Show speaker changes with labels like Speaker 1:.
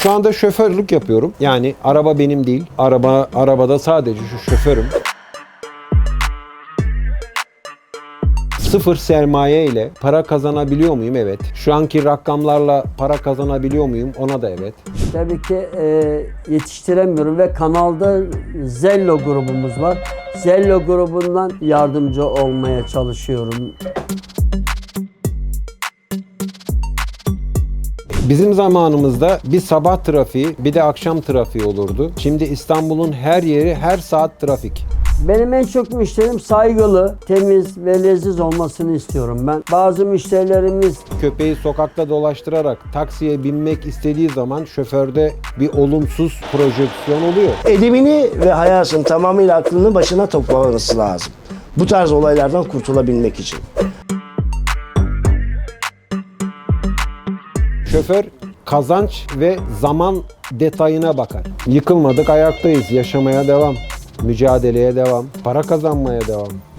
Speaker 1: Şu anda şoförlük yapıyorum. Yani araba benim değil. Arabada sadece şu şoförüm. Sıfır sermaye ile para kazanabiliyor muyum? Evet. Şu anki rakamlarla para kazanabiliyor muyum? Ona da evet.
Speaker 2: Tabii ki yetiştiremiyorum ve kanalda Zello grubumuz var. Zello grubundan yardımcı olmaya çalışıyorum.
Speaker 1: Bizim zamanımızda bir sabah trafiği bir de akşam trafiği olurdu. Şimdi İstanbul'un her yeri her saat trafik.
Speaker 2: Benim en çok müşterim saygılı, temiz ve leziz olmasını istiyorum ben. Bazı müşterilerimiz
Speaker 1: Köpeği sokakta dolaştırarak taksiye binmek istediği zaman şoförde bir olumsuz projeksiyon oluyor.
Speaker 3: Edebini ve hayatın tamamıyla aklını başına toplaması lazım. Bu tarz olaylardan kurtulabilmek için.
Speaker 1: Şoför kazanç ve zaman detayına bakar. Yıkılmadık, ayaktayız, yaşamaya devam, mücadeleye devam, para kazanmaya devam.